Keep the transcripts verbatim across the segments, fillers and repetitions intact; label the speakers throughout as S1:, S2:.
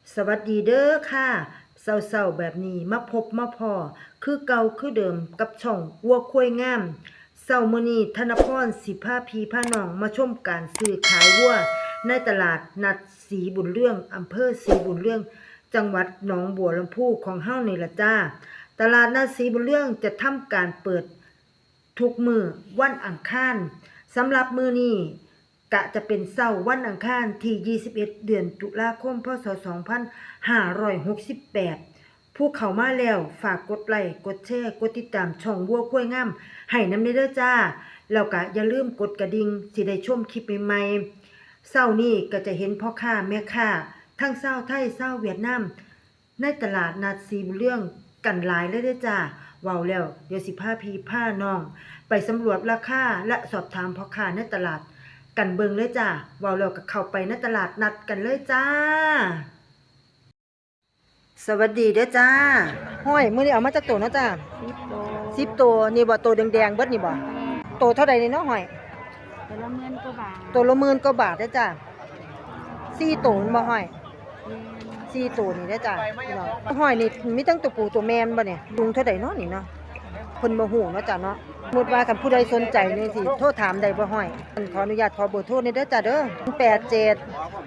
S1: สวัสดีเด้อค่ะเศร้าๆแบบนี้มาพบมาพอคือเก่าคือเดิมกับช่องวัวควายงามเศร้ามื้อนี้ธนพรสิพาพี่พาน้องมาชมการซื้อขายวัวในตลาดนัดศรีบุญเรื่องอำเภอศรีบุญเรื่องจังหวัดหนองบัวลำพูของเฮานี่ล่ะจ้าตลาดนัดศรีบุญเรื่องจะทำการเปิดทุกมื้อวันอังคารสำหรับมื้อนี้กะจะเป็นเช้าวันอังคารที่ยี่สิบเอ็ดเดือนตุลาคมพศสองพันห้าร้อยหกสิบแปดผู้เข้ามาแล้วฝากกดไลค์กดแชร์กดติดตามช่องวัวควายงามให้นำเด้อจ้าแล้วก็อย่าลืมกดกระดิ่งสิได้ชมคลิปใหม่ๆเช้านี้ก็จะเห็นพ่อค้าแม่ค้าทั้งชาวไทยชาวเวียดนามในตลาดนัดศรีบุญเรื่องกันหลายเลยเด้อจ้าเว้าแล้วเดี๋ยวสิพาพี่พาน้องไปสำรวจราคาและสอบถามพ่อค้าในตลาดกันเบิงเลยจ้าเว้าแล้วก็เข้าไปในตลาดนัดกันเลยจ้าสวัสดีเด้อจ้าห้อยมื้อนี้เอามาจากตัวเนาะจ้าสิบตัวนี่บ่ตัวแดงๆเบิดนี่บ่ตัวเท่าใดนี่เนาะห้อย
S2: ตัวละหมื่นกว่าบาท
S1: ตัวละหมื่นกว่าบาทเด้อจ้าสี่ตัวมันบ่ห้อยสี่ตัวนี่เด้อจ้าพี่น้องห้อยนี่มีทั้งตัวผู้ตัวแม่บ่เนี่ยลุงเท่าใดเนาะนี่เนาะเพิ่นบ่ฮู้เนาะจ้าเนาะสมมุติว่าคันผู้ใดสนใจนี่สิโทรถามได้บ่ห้อยขออนุญาตขอเบอร์โทรนี่เด้อจ้าเด้อแปดเจ็ด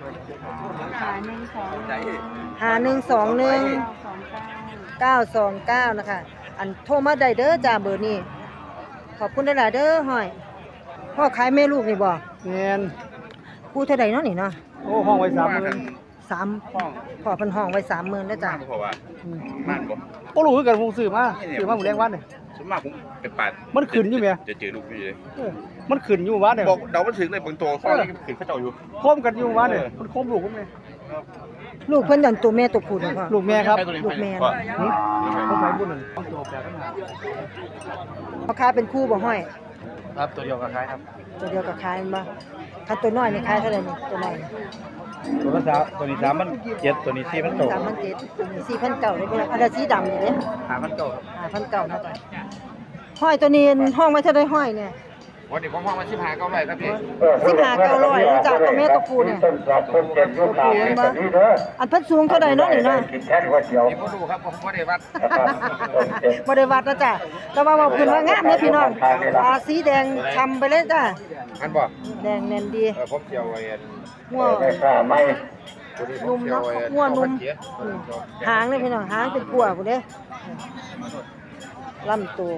S2: หาหนึ่งสองหนึ่ง
S1: ห้าหนึ่งสองหนึ่ง
S2: เก้าสองเก้า
S1: เก้าสองเก้านะคะอันโทรมาได้เด้อจ้าเบอร์นี้ขอบคุณหลายๆเด้อห้อยพ่อขายแม่ลูกนี่บ่
S3: แม่น
S1: คู่เท่าใดเนาะนี่เนาะ
S3: โอ้ห้องไว้สามหมื่น
S1: สามพ่อเพิ่นห้องไว้สามหมื่นแล้วจ้า
S4: เพราะว่าบ้านบ่
S3: บ่รู้คือกันผมซื้อมาซื้อมาหมู่แรงวันนี่
S4: ส่วนมากผมเป็นปาด
S3: มันขึ้นอยู่แม่
S4: จะเจอลูกอยู่เลย
S3: เออมันขึ้นอยู่วันนี่
S4: บอกเดามันถึงเลยบางตัวข้อนี้ขึ้นเขาเจ้าอยู่
S3: โคมกันอยู่วันนี่มันโคมลูกผมนี่
S1: ลูกเพิ่นดันตัวแม่ตัวผู้เนาะพ่อ
S3: ลูกแม่ครับ
S1: ลูกแม่
S4: ก็
S3: หึผมไปบุญนั่นเอาตัวแปดปัญหา
S1: พ่อค้าเป็นคู่บ่ห้อย
S3: ครับตัวเดียวกับคล้ายครับ
S1: ตัวเดียวกับขายมันบ่คันตัวน้อยนี่ขายเท่าไหร่นี่ตัวน้อยนี่
S3: ตัวละสามตัวนี้สามมันเจ็ดตัวนี้สี่มันโต
S1: สามพันเจ็ดตัวนี้สี่พันเก้าเลยพี่น้องอันนั้นสีดำนี่เด้
S3: ห้ามันโตครับ
S1: ห้าพันเก้านะจ๊ะห้อยตัวนี้ห้องไว้เท่าใดห้อยเนี่ย
S4: วันนี้ผมห้องมาชิบหาเก้าไรครับพี่
S1: สิบห้าเก้าร้อยรู้จักกับแม่ตัวผู้เนี่ยตัวผู้เห็นบ่อันเพิ่นสูงเท่าใดเนาะนี่เนาะ
S4: พี่พ่อดูครับผมพ่อได้วัด
S1: บ่ได้วัดนะจ้ะแต่ว่าว่าเพิ่นว่างามเด้อพี่น้องตาสีแดงช้ำไปเลยจ้ะ
S4: อันบ่
S1: แดงแน่นดี
S4: เออผมเจียวไว้
S1: หัวนุ่มเนาะหัวนุ่มอืมหางเลยพี่น้องหางเป็นกัวพุ่นเด้ลำตัว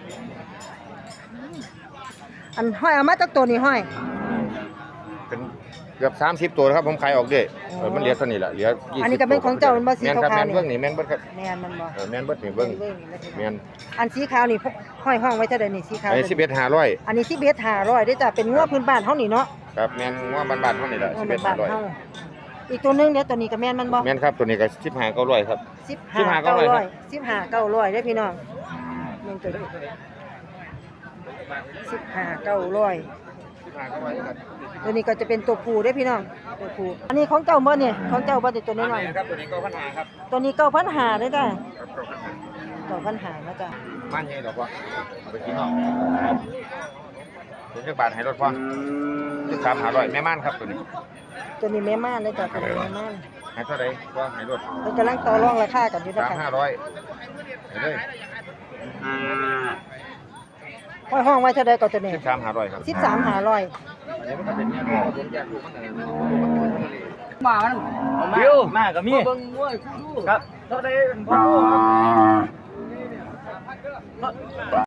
S1: อันห้อยเอามาจากตัวนี้ห้อย
S4: เป็นเกือบสามสิบตัวครับผมขายออกด้วยมันเหลือเท่านี้แหละเหลือยี่สิบ
S1: อันนี้ก็เป็นของเจ้ามันบ่สี
S4: แม่นครับ
S1: ขาว
S4: แม่น
S1: ๆ
S4: เบิ้ง
S1: นี่
S4: นี่แม่นเบิ้งครับ
S1: แม่นมันบ่
S4: เออแม่นเบิ้งนี่เบิ้ง
S1: เบิ่งแล้วพี่น้อง
S4: แม่น
S1: อันสีขาวนี่ห้อยห้องไว้เท่าใดนี่สีขาว
S4: ไอ้สิบเอ็ดห้าร้อย
S1: อันนี้สิบเอ็ดห้าร้อยเด้อจ้ะเป็นงัวพื้นบ้านเฮานี่เนาะ
S4: ครับแม่นว่าบ้านๆเท่านี้แหละ
S1: งัว
S4: สิบเอ็
S1: บ้า
S4: ด
S1: น
S4: ห้าร้อย
S1: เฮาอีกตัวหนึงเดี๋ยวตัวนี้ก็แม่นมันบ่
S4: แม่นครับตัวนี้ก็สิบห้าเก้าร้อยครับ
S1: สิบห้า
S4: เก้า
S1: เก้า
S4: ร้
S1: ร้
S4: อ
S1: อย ยสิบห้าเก้าร้อยเด้อพี่น้องแม่นตัวนี้สิบห้าเก้าร้อย
S4: สิบห้าเก้าร้อยครับ
S1: ตัวนี้ก็จะเป็นตัวผู้เด้อพี่น้องตัวผู้อันนี้ของเจ้าบ่เนี่ยของเจ้าบ่ได้ตัวน้อย
S4: ครับตัวนี้ก็พันหาครับ
S1: ๆตัวนี้เก้าพันห้าเด้อจ้ะเก้าพันห้านะจ้ะ
S4: บ้านใหญ่ดอกว่าเอาไปกินเนาะเป็นจักบาทให้รถพ่อสิบสามห้าร้อยแม่ม่านครับตัวนี้
S1: ตัวนี้แม่ม่านเด้อจ้ะตัวนี้แม่ม่าน
S4: ให้เท่าไหร่ก็ให้รถ
S1: เพิ่นกำลังต่อรองราคากันอยู่นะ
S4: สาม
S1: คะ
S4: ห้าร้อยให้เลย
S1: ห้อยห้องไว้เท่าใดก็ตัวนี้
S4: สิบสามห้าร้อยครับ
S1: สิบสามห้าร้อย
S4: เดี๋ยวมันก็เป็นเนี่ยผมอยากรู้มันอะไร
S3: มามันบิวมาก็มีเบิ่งมวยครับเท่าใดพ่อ